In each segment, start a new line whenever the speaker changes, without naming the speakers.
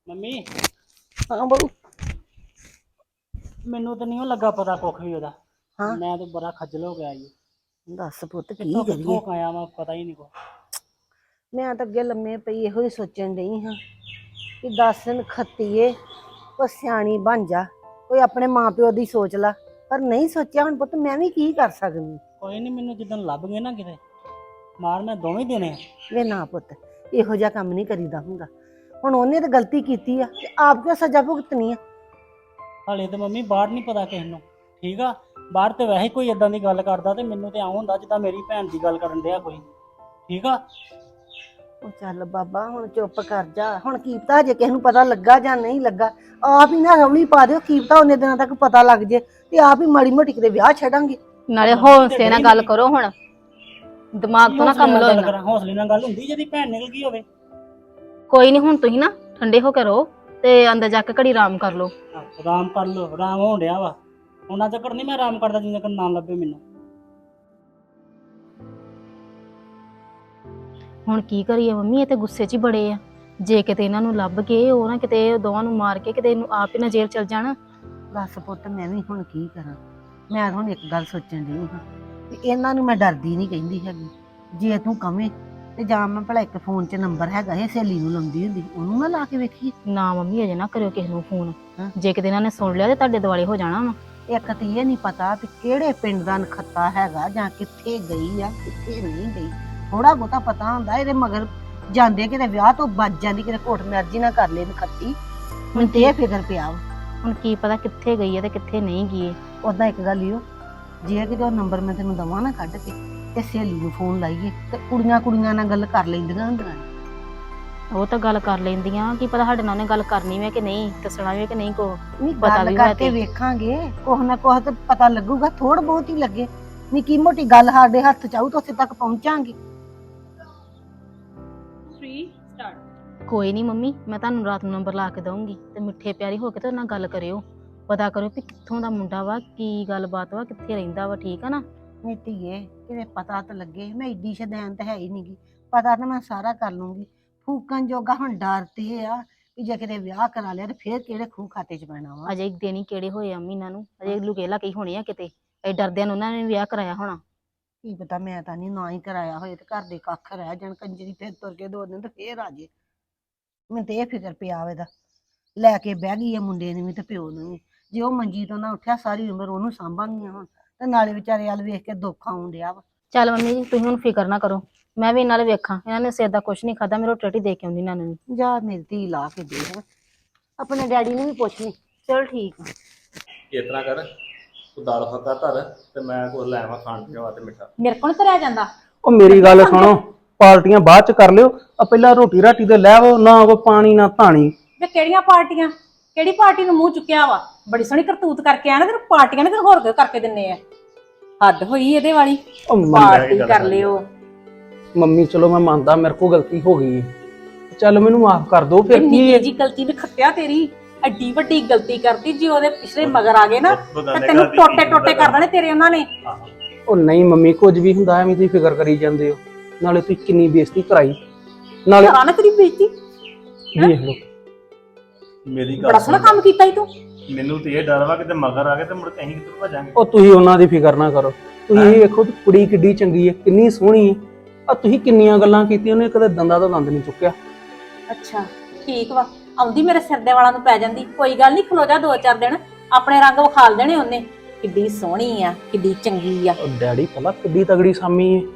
Mummy
ਹਾਂ ਬਹੂ।
ਮੈਨੂੰ ਤਾਂ ਨਹੀਂ ਲੱਗਾ ਪਤਾ ਕੁੱਖ ਵੀ ਉਹਦਾ।
ਹਾਂ
ਮੈਂ ਤਾਂ ਬੜਾ ਖੱਜਲ ਹੋ ਗਿਆ ਜੀ।
ਦੱਸ ਪੁੱਤ ਕੀ
ਕਿੱਥੋਂ
ਕਰੀਏ।
ਕਿੱਥੋਂ ਆਇਆ ਮੈਂ ਪਤਾ ਹੀ ਨਹੀਂ ਕੋ।
ਮੈਂ ਤਾਂ ਅੱਗੇ ਲੰਮੇ ਪਈ ਇਹੋ ਹੀ ਸੋਚਣ ਡਈ ਹਾਂ ਕਿ 10 ਦਿਨ ਖੱਤੀਏ ਉਹ ਸਿਆਣੀ ਬਣ ਜਾ, ਕੋਈ ਆਪਣੇ ਮਾਂ ਪਿਓ ਦੀ ਸੋਚ ਲਾ। ਪਰ ਨਹੀਂ ਸੋਚਿਆ। ਹੁਣ ਪੁੱਤ ਮੈਂ ਵੀ ਕੀ ਕਰ ਸਕਦੀ।
ਕੋਈ ਨਹੀਂ, ਮੈਨੂੰ ਜਿੱਦਣ ਲੱਭ ਗਏ ਨਾ ਕਿਤੇ ਮਾਰ ਮੈਂ ਦੋਵੇਂ ਦੇਣੇ।
ਵੇ ਨਾ ਪੁੱਤ, ਇਹੋ ਜਿਹਾ ਕੰਮ ਨਹੀਂ ਕਰੀਦਾ ਹੁੰਦਾ। ਹੁਣ ਉਹਨੇ ਤਾਂ ਗਲਤੀ ਕੀਤੀ ਆ ਤੇ ਆਪ ਕਿਉਂ ਸਜ਼ਾ ਭੁਗਤਣੀ ਆ।
ਹਾਲੇ ਤੇ ਮੰਮੀ ਬਾਹਰ ਨਹੀਂ ਪਤਾ ਕਿਸ ਨੂੰ, ਠੀਕ ਆ। ਬਾਹਰ ਤੇ ਵੈਸੇ ਕੋਈ ਇਦਾਂ ਦੀ ਗੱਲ ਕਰਦਾ ਤੇ ਮੈਨੂੰ ਤੇ ਆਉਂ ਹੁੰਦਾ ਜਿੱਦਾਂ ਮੇਰੀ ਭੈਣ ਦੀ ਗੱਲ ਕਰਨ ਡਿਆ ਕੋਈ, ਠੀਕ ਆ।
ਉਹ ਚੱਲ ਬਾਬਾ ਹੁਣ ਚੁੱਪ ਕਰ ਜਾ। ਹੁਣ ਕੀਪਤਾ ਜੇ ਕਿਸੇ ਨੂੰ ਪਤਾ ਲੱਗਾ ਜਾਂ ਨਹੀਂ ਲੱਗਾ, ਆਪ ਹੀ ਨਾ ਰੌਲੀ ਪਾ ਦਿਓ। ਕੀਪਤਾ ਉਹਨੇ ਦਿਨਾਂ ਤੱਕ ਪਤਾ ਲੱਗ ਜੇ ਤੇ ਆਪ ਹੀ ਮਾੜੀ ਮੋਟੀ ਕਿਤੇ ਵਿਆਹ ਛੱਡਾਂਗੇ।
ਨਾਲੇ ਹੌਸਲੇ ਨਾਲ ਗੱਲ ਕਰੋ। ਹੁਣ ਦਿਮਾਗ ਤੋਂ ਨਾ ਕੰਮ ਲਓ ਇੰਨਾ।
ਹੌਸਲੇ ਨਾਲ ਗੱਲ ਹੁੰਦੀ ਜਿਹਦੀ ਭੈਣ ਨਿਕਲ ਗਈ ਹੋਵੇ।
ਕੋਈ ਨਹੀਂ, ਹੁਣ ਤੁਸੀਂ ਨਾ ਠੰਡੇ ਹੋ ਕੇ ਰਹੋ ਤੇ ਅੰਦਰ ਜਾ ਕੇ ਘੜੀ ਆਰਾਮ ਕਰ ਲਓ।
ਆਰਾਮ ਕਰ ਲੋ, ਆਰਾਮ ਹੋਣ ਡਿਆ ਵਾ। ਉਹਨਾਂ ਚੱਕਰ ਨਹੀਂ ਮੈਂ ਆਰਾਮ ਕਰਦਾ ਜਿੰਨਾ ਚਿਰ ਨਾ ਲੱਭੇ ਮੈਨੂੰ।
ਹੁਣ ਕੀ ਕਰੀਏ ਮੰਮੀ, ਇਹ ਤੇ ਗੁੱਸੇ 'ਚ ਹੀ ਬੜੇ ਆ। ਜੇ ਕਿਤੇ ਇਹਨਾਂ ਨੂੰ ਲੱਭ ਕੇ ਉਹ ਨਾ ਕਿਤੇ ਦੋਵਾਂ ਨੂੰ ਮਾਰ ਕੇ ਕਿਤੇ ਇਹਨੂੰ ਆਪ ਹੀ ਨਾ ਜੇਲ੍ਹ ਚਲ ਜਾਣ।
ਬਸ ਪੁੱਤ ਮੈਂ ਵੀ ਹੁਣ ਕੀ ਕਰਾਂ। ਮੈਂ ਹੁਣ ਇੱਕ ਗੱਲ ਸੋਚਣ ਡਈ ਹਾਂ ਵੀ ਇਹਨਾਂ ਨੂੰ ਮੈਂ ਡਰਦੀ ਨਹੀਂ ਕਹਿੰਦੀ ਹੈਗੀ। ਜੇ ਤੂੰ ਕਵੇਂ ਤੇ ਜਾਂ ਮੈਂ ਭਲਾ ਇੱਕ ਫੋਨ 'ਚ ਨੰਬਰ ਹੈਗਾ ਇਹ ਸਹੇਲੀ ਨੂੰ ਲਾਉਂਦੀ ਹੁੰਦੀ, ਉਹਨੂੰ ਨਾ ਲਾ ਕੇ ਵੇਖੀਏ।
ਨਾ ਮੰਮੀ ਅਜੇ ਨਾ ਕਰਿਓ ਕਿਸੇ ਨੂੰ ਫੋਨ।
ਹਾਂ।
ਜੇ ਕਿਤੇ ਇਹਨਾਂ ਨੇ ਸੁਣ ਲਿਆ ਤੇ ਤੁਹਾਡੇ ਦੁਆਲੇ ਹੋ ਜਾਣਾ ਵਾ।
ਇੱਕ ਤੇ ਇਹ ਨਹੀਂ ਪਤਾ ਵੀ ਕਿਹੜੇ ਪਿੰਡ ਦਾ ਨਖੱਤਾ ਹੈਗਾ ਜਾਂ ਕਿੱਥੇ ਗਈ ਆ ਕਿੱਥੇ ਨਹੀਂ ਗਈ। ਥੋੜਾ ਬਹੁਤਾ ਪਤਾ ਹੁੰਦਾ ਇਹਦੇ ਮਗਰ ਜਾਂਦੇ ਕਿਤੇ ਵਿਆਹ ਤੋਂ ਬਚ ਜਾਂਦੀ, ਕਿਤੇ ਘੋਟ ਮਰਜ਼ੀ ਨਾ ਕਰ ਲੈ ਨਖੱਤੀ। ਹੁਣ ਤੇ ਇਹ ਫਿਕਰ ਪਿਆ ਵਾ।
ਹੁਣ ਕੀ ਪਤਾ ਕਿੱਥੇ ਗਈ ਹੈ ਤੇ ਕਿੱਥੇ ਨਹੀਂ ਗਈ।
ਉਦਾਂ ਇੱਕ ਗੱਲ ਈ ਓ, ਜੇ ਕਿਤੇ ਉਹ ਨੰਬਰ ਮੈਂ ਤੈਨੂੰ ਦਵਾਂ ਨਾ ਕੱਢ ਕੇ ਤੇ ਸਹੇਲੀ ਨੂੰ ਫੋਨ ਲਾਈਏ ਤੇ ਕੁੜੀਆਂ ਨਾਲ ਗੱਲ ਕਰ ਲੈਂਦੀਆਂ ਹੁੰਦੀਆਂ।
ਉਹ ਤਾਂ ਗੱਲ ਕਰ ਲੈਂਦੀਆਂ, ਕੀ ਪਤਾ ਸਾਡੇ ਨਾਲ ਉਹਨੇ ਗੱਲ ਕਰਨੀ ਵੇ ਕਿ ਨਹੀਂ, ਦੱਸਣਾ ਵੇ ਕਿ ਨਹੀਂ ਕੋ
ਨਹੀਂ
ਪਤਾ
ਗੱਲ
ਵੀ ਹੋਇਆ
ਕਰਕੇ
ਤੇ।
ਵੇਖਾਂਗੇ, ਕੁਛ ਨਾ ਕੁਛ ਤੇ ਪਤਾ ਲੱਗੂਗਾ। ਥੋੜ ਬਹੁਤ ਹੀ ਲੱਗੇ, ਨਿੱਕੀ ਮੋਟੀ ਗੱਲ ਸਾਡੇ ਹੱਥ ਚ ਆਊ ਤਾਂ ਉੱਥੇ ਤੱਕ ਪਹੁੰਚਾਂਗੇ।
ਕੋਈ ਨਹੀਂ ਮੰਮੀ, ਮੈਂ ਤੁਹਾਨੂੰ ਰਾਤ ਨੂੰ ਨੰਬਰ ਲਾ ਕੇ ਦਊਂਗੀ ਤੇ ਮਿੱਠੇ ਪਿਆਰੀ ਹੋ ਕੇ ਤੇ ਨਾਲ ਗੱਲ ਕਰਿਓ। ਪਤਾ ਕਰਿਓ ਵੀ ਕਿੱਥੋਂ ਦਾ ਮੁੰਡਾ ਵਾ, ਕੀ ਗੱਲਬਾਤ ਵਾ, ਕਿੱਥੇ ਰਹਿੰਦਾ ਵਾ, ਠੀਕ ਆ ਨਾ।
ਨਹੀਂ ਧੀਏ ਕਿਤੇ ਪਤਾ ਤਾਂ ਲੱਗੇ। ਮੈਂ ਏਡੀ ਸ਼ੈਤਾਨ ਤਾਂ ਹੈ ਹੀ ਨਹੀਂਗੀ। ਪਤਾ ਤਾਂ ਮੈਂ ਸਾਰਾ ਕਰ ਲੂੰਗੀ। ਫੂਕਣ ਜੋਗਾ ਹੁਣ ਡਰ ਤੇ ਇਹ ਆ ਕਿ ਜੇ ਕਿਤੇ ਵਿਆਹ ਕਰਾ ਲਿਆ ਤੇ ਫੇਰ ਕਿਹੜੇ ਖੂਹ ਖਾਤੇ ਚ ਪੈਣਾ ਵਾ।
ਅਜੇ ਦਿਨ ਹੀ ਕਿਹੜੇ ਹੋਏ ਆ ਮਹੀਨਾ ਨੂੰ, ਅਜੇ ਲੁਕੇ ਲਾਕੇ ਹੋਣੇ ਆ ਕਿਤੇ। ਇਹ ਡਰਦਿਆਂ ਨੂੰ ਉਹਨਾਂ ਨੇ ਵਿਆਹ ਕਰਾਇਆ ਹੋਣਾ।
ਕੀ ਪਤਾ, ਮੈਂ ਤਾਂ ਨਹੀਂ ਨਾ ਹੀ ਕਰਾਇਆ ਹੋਏ ਤੇ ਘਰ ਦੇ ਕੱਖ ਰਹਿ ਜਾਣ। ਕੰਜਰੀ ਫੇਰ ਤੁਰ ਕੇ 2 ਦਿਨ ਤੇ ਫੇਰ ਆ ਜੇ। ਮੈਨੂੰ ਤੇ ਇਹ ਫਿਕਰ ਪਿਆ ਵਾ ਇਹਦਾ। ਲੈ ਕੇ ਬਹਿ ਗਈ ਆ ਮੁੰਡੇ ਨੂੰ ਵੀ ਤੇ ਪਿਓ ਨੂੰ ਵੀ। ਜੇ ਉਹ ਮੰਜੀ ਤੋਂ ਨਾ ਉੱਠਿਆ ਸਾਰੀ ਉਮਰ ਉਹਨੂੰ ਸਾਂਭਾਂਗੀਆਂ ਹੁਣ, ਤੇ ਨਾਲੇ ਵਿਚਾਰੇ ਵੱਲ ਵੇਖ ਕੇ ਦੁੱਖ ਆਉਣ ਡਿਆ ਵਾ।
ਚੱਲ ਮੰਮੀ ਜੀ ਤੁਸੀਂ ਹੁਣ ਫਿਕਰ ਨਾ ਕਰੋ, ਮੈਂ ਵੀ ਇਹਨਾਂ ਨਾਲ ਵੇਖਾਂ। ਇਹਨਾਂ ਨੇ ਸਿਰ ਦਾ ਕੁਛ ਨਹੀਂ ਖਾਦਾ, ਮੈਂ ਰੋਟੀ ਰੋਟੀ ਦੇ ਕੇ ਆਉਂਦੀ ਇਹਨਾਂ ਨੂੰ।
ਜਾ ਮੇਰੀ ਧੀ ਲਾ ਕੇ ਦੇ ਆਪਣੇ ਡੈਡੀ ਨੂੰ ਵੀ ਪੁੱਛ ਲਈ। ਚਲ ਠੀਕ ਆ।
ਇਸ ਤਰ੍ਹਾਂ ਕਰ, ਤੂੰ ਦਾਲ ਫੱਕਾ ਧਰ ਤੇ ਮੈਂ ਕੁਝ ਲੈ ਆਵਾਂ ਖਾਣ ਪੀਣ ਵਾਸਤੇ ਮਿੱਠਾ।
ਮੇਰੇ ਕੋਲ ਤੁਰਿਆ ਜਾਂਦਾ।
ਉਹ ਮੇਰੀ ਗੱਲ ਸੁਣੋ, ਪਾਰਟੀਆਂ ਬਾਅਦ ਚ ਕਰ ਲਿਓ। ਆ ਪਹਿਲਾਂ ਰੋਟੀ ਰਾਟੀ ਤੇ ਲੈ ਆਵੋ, ਨਾ ਕੋਈ ਪਾਣੀ ਨਾ ਧਾਣੀ।
ਵੇ ਕਿਹੜੀਆਂ ਪਾਰਟੀਆਂ? ਕਿਹੜੀ ਪਾਰਟੀ ਨੂੰ ਮੂੰਹ ਚੁੱਕਿਆ ਵਾ? ਬੜੀ ਸੋਹਣੀ ਕਰਤੂਤ ਕਰਕੇ ਆ ਨਾ, ਤੈਨੂੰ ਪਾਰਟੀਆਂ ਨੇ ਤੈਨੂੰ ਹੋਰ ਕੋਈ ਕਰਕੇ ਦਿੰਨੇ ਆ। ਹੱਦ ਹੋਈ ਇਹਦੇ ਵਾਲੀ। ਪਾਰਟੀ ਕਰ ਲਿਓ।
ਮੰਮੀ ਚਲੋ ਮੈਂ ਮੰਨਦਾ ਮੇਰੇ ਕੋਲ ਗਲਤੀ ਹੋ ਗਈ ਹੈ, ਚੱਲ ਮੈਨੂੰ ਮਾਫ ਕਰ ਦਿਓ। ਫਿਰ ਕੀ
ਨਿੱਕੀ ਜੀ ਗਲਤੀ ਨੇ ਖੱਤਿਆ ਤੇਰੀ। ਐਡੀ ਵੱਡੀ ਗਲਤੀ ਕਰਤੀ, ਜੇ ਉਹਦੇ ਪਿਛਲੇ ਮਗਰ ਆ ਗਏ ਨਾ ਤੇ ਤੈਨੂੰ ਟੋਟੇ ਟੋਟੇ ਕਰ ਦੇਣੇ ਤੇਰੇ ਉਹਨਾਂ ਨੇ।
ਉਹ ਨਹੀਂ ਮੰਮੀ, ਕੁਝ ਵੀ ਹੁੰਦਾ ਐਵੇਂ ਤੁਸੀਂ ਫਿਕਰ ਕਰੀ ਜਾਂਦੇ ਹੋ। ਨਾਲੇ ਤੁਸੀਂ ਕਿੰਨੀ ਬੇਇੱਜ਼ਤੀ ਕਰਾਈ, ਨਾਲੇ
ਕਰਾ ਨਾ ਤੇਰੀ ਬੇਇੱਜ਼ਤੀ।
ਵੇਖ ਲਓ।
ਮੇਰੀ
ਬੜਾ
ਗੱਲ
ਸੋਹਣਾ ਕੰਮ ਕੀਤਾ ਈ ਤੂੰ।
ਮੈਨੂੰ ਤੇ ਇਹ ਡਰ ਵਾ ਕਿਤੇ ਮਗਰ ਆ ਗਏ ਤੇ ਮੁੜ ਕੇ ਅਸੀਂ ਕਿੱਧਰ ਭਜਾਂਗੇ।
ਉਹ ਤੁਸੀਂ ਉਹਨਾਂ ਦੀ ਫਿਕਰ ਨਾ ਕਰੋ। ਤੁਸੀਂ ਇਹ ਵੇਖੋ ਕਿ ਕੁੜੀ ਕਿੱਡੀ ਚੰਗੀ ਹੈ, ਕਿੰਨੀ ਸੋਹਣੀ ਹੈ। ਆ ਤੁਸੀਂ ਕਿੰਨੀਆਂ ਗੱਲਾਂ ਕੀਤੀਆਂ, ਉਹਨੇ ਕਦੇ ਦੰਦਾ ਤੋਂ ਦੰਦ ਨਹੀਂ ਚੁੱਕਿਆ।
ਅੱਛਾ ਠੀਕ ਵਾ, ਆਉਂਦੀ ਮੇਰੇ ਸਿਰ ਦੇ ਵਾਲਾਂ ਨੂੰ ਪੈ ਜਾਂਦੀ। ਕੋਈ ਗੱਲ ਨਹੀਂ, ਖਲੋ ਜਾ 2-4 ਦਿਨ, ਆਪਣੇ ਰੰਗ ਵਿਖਾਲ ਦੇਣੇ ਉਹਨੇ। ਕਿੱਡੀ ਸੋਹਣੀ ਆ, ਕਿੱਡੀ ਚੰਗੀ ਆ।
ਉਹ ਡੈਡੀ ਪਤਾ ਕਿੱਡੀ ਤਗੜੀ ਸਾਮੀ ਹੈ।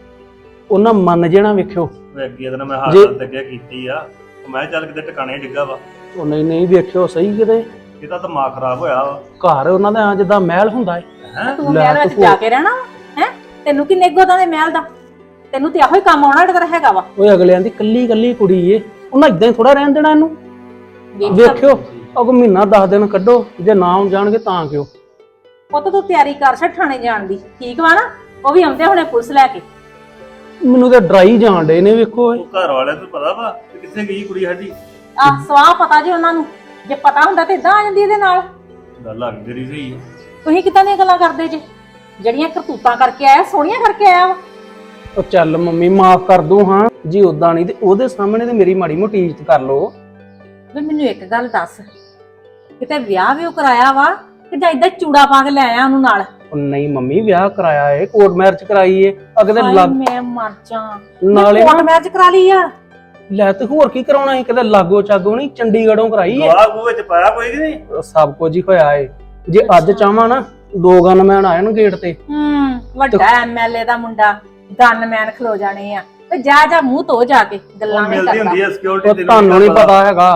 ਉਹਨਾਂ ਮੰਨ ਜਾਣਾ ਵੇਖਿਓ।
ਅੱਗੇ ਤਾਂ ਮੈਂ ਹਾਲਤ ਤੇ ਅੱਗੇ ਕੀਤੀ ਆ, ਮੈਂ ਚੱਲ ਕਿਤੇ ਟਿਕਾਣੇ ਡਿੱਗਾ ਵਾ।
ਉਹ ਨਹੀਂ ਵੇਖਿਓ ਸਹੀ ਕਿਤੇ
ਇਹਦਾ ਦਿਮਾਗ ਖਰਾਬ ਹੋਇਆ ਵਾ।
ਘਰ ਉਹਨਾਂ ਦਾ ਜਿੱਦਾਂ ਮਹਿਲ ਹੁੰਦਾ ਹੈ।
ਹੈ
ਤੂੰ ਮਹਿਲ ਵਿੱਚ ਜਾ ਕੇ ਰਹਿਣਾ ਹੈ? ਤੈਨੂੰ ਕਿੰਨੇ ਗੋਦਾਂ ਦੇ ਮਹਿਲ ਦਾ? ਤੈਨੂੰ ਤੇ ਇਹੋ ਹੀ ਕੰਮ ਆਉਣਾ ਜਿਹੜਾ ਹੈਗਾ ਵਾ।
ਓਏ ਅਗਲਿਆਂ ਦੀ ਕੱਲੀ ਕੁੜੀ ਏ, ਉਹਨਾਂ ਇਦਾਂ ਹੀ ਥੋੜਾ ਰਹਿਣ ਦੇਣਾ ਇਹਨੂੰ। ਵੇਖਿਓ ਅਗੋ ਮਹੀਨਾ 10 ਦਿਨ ਕੱਢੋ, ਜੇ ਨਾ ਆਉਣ ਜਾਣਗੇ ਤਾਂ ਕਿਉਂ।
ਪੁੱਤ ਤੂੰ ਤਿਆਰੀ ਕਰ ਛੱਡ ਥਾਣੇ ਜਾਣ ਦੀ, ਠੀਕ ਵਾ ਨਾ? ਉਹ ਵੀ ਆਉਂਦੇ ਹੁਣੇ ਪੁਲਿਸ ਲੈ ਕੇ।
ਮੈਨੂੰ ਤਾਂ ਡਰਾਈ ਜਾਣ ਡੇ ਨੇ। ਵੇਖੋ
ਉਹ ਘਰ ਵਾਲਿਆਂ ਨੂੰ ਪਤਾ ਵਾ ਕਿ ਕਿੱਥੇ ਗਈ ਕੁੜੀ ਸਾਡੀ।
ਆਹ ਸਵਾਹ ਪਤਾ ਜੇ ਉਹਨਾਂ ਨੂੰ। ਜੇ ਪਤਾ ਹੁੰਦਾ ਤੇ ਇਦਾਂ ਆ ਜਾਂਦੀ ਇਹਦੇ ਨਾਲ।
ਗੱਲ ਆ ਗਈ ਤੇਰੀ ਸਹੀ।
ਤੁਸੀਂ ਕਿੱਦਾਂ ਦੀਆਂ ਗੱਲਾਂ ਕਰਦੇ ਜੇ? ਜਿਹੜੀਆਂ ਕਰਤੂਤਾਂ ਕਰਕੇ ਆਇਆ, ਸੋਹਣੀਆਂ ਕਰਕੇ ਆਇਆ ਵਾ।
ਉਹ ਚੱਲ ਮੰਮੀ ਮਾਫ ਕਰ ਦੂੰ। ਹਾਂ ਜੀ ਉਦਾਂ ਨਹੀਂ ਤੇ ਉਹਦੇ ਸਾਹਮਣੇ ਤੇ ਮੇਰੀ ਮਾੜੀ ਮੋਟੀ ਇੱਜ਼ਤ ਕਰ ਲੋ।
ਵੇ ਮੈਨੂੰ ਇੱਕ ਗੱਲ ਦੱਸ, ਕਿਤੇ ਵਿਆਹ ਵੀ ਉਹ ਕਰਾਇਆ ਵਾ ਕਿ ਜਾਂ ਇਦਾਂ ਚੂੜਾ ਪਾ ਕੇ ਲੈ ਆਇਆ ਉਹਨੂੰ ਨਾਲ?
ਉਹ ਨਹੀਂ ਮੰਮੀ, ਵਿਆਹ ਕਰਾਇਆ ਏ, ਕੋਰਟ ਮੈਰਿਜ ਕਰਾਈ ਏ। ਅਗਦੇ
ਹਾਏ
ਲੱਗ
ਮੈਂ ਮਰ ਜਾ,
ਨਾਲੇ
ਕੋਰਟ
ਨਾ
ਮੈਚ ਕਰਾ ਲਈ ਆ?
ਲੈ ਤੇ ਹੋਰ ਕੀ ਕਰਾਉਣਾ ਸੀ, ਕਿਤੇ ਲਾਗੋ ਚਾਗੋ ਨਹੀਂ, ਚੰਡੀਗੜ੍ਹੋਂ ਕਰਾਈ ਏ।
ਗਵਾਹ ਗੂ ਵਿੱਚ ਪਾਇਆ ਕੋਈ ਕਿ ਨਹੀਂ?
ਸਭ ਕੁਝ ਹੀ ਹੋਇਆ ਏ। ਜੇ ਅੱਜ ਚਾਹਾਂ ਨਾ 2 ਗਨਮੈਨ ਆਏ ਨਾ ਗੇਟ ਤੇ।
ਵੱਡਾ ਐਮਐਲਏ ਦਾ ਮੁੰਡਾ, ਗਨਮੈਨ ਖਲੋ ਜਾਣੇ ਆ ਤੇ ਜਾ ਮੂੰਹ ਧੋ ਜਾ ਕੇ, ਗੱਲਾਂ ਨਹੀਂ
ਮਿਲਦੀ ਹੁੰਦੀ
ਕਰਦਾ।
ਹੈ ਸਿਕਿਉਰਿਟੀ
ਉਹ ਤੁਹਾਨੂੰ ਨਹੀਂ ਪਤਾ ਹੈਗਾ।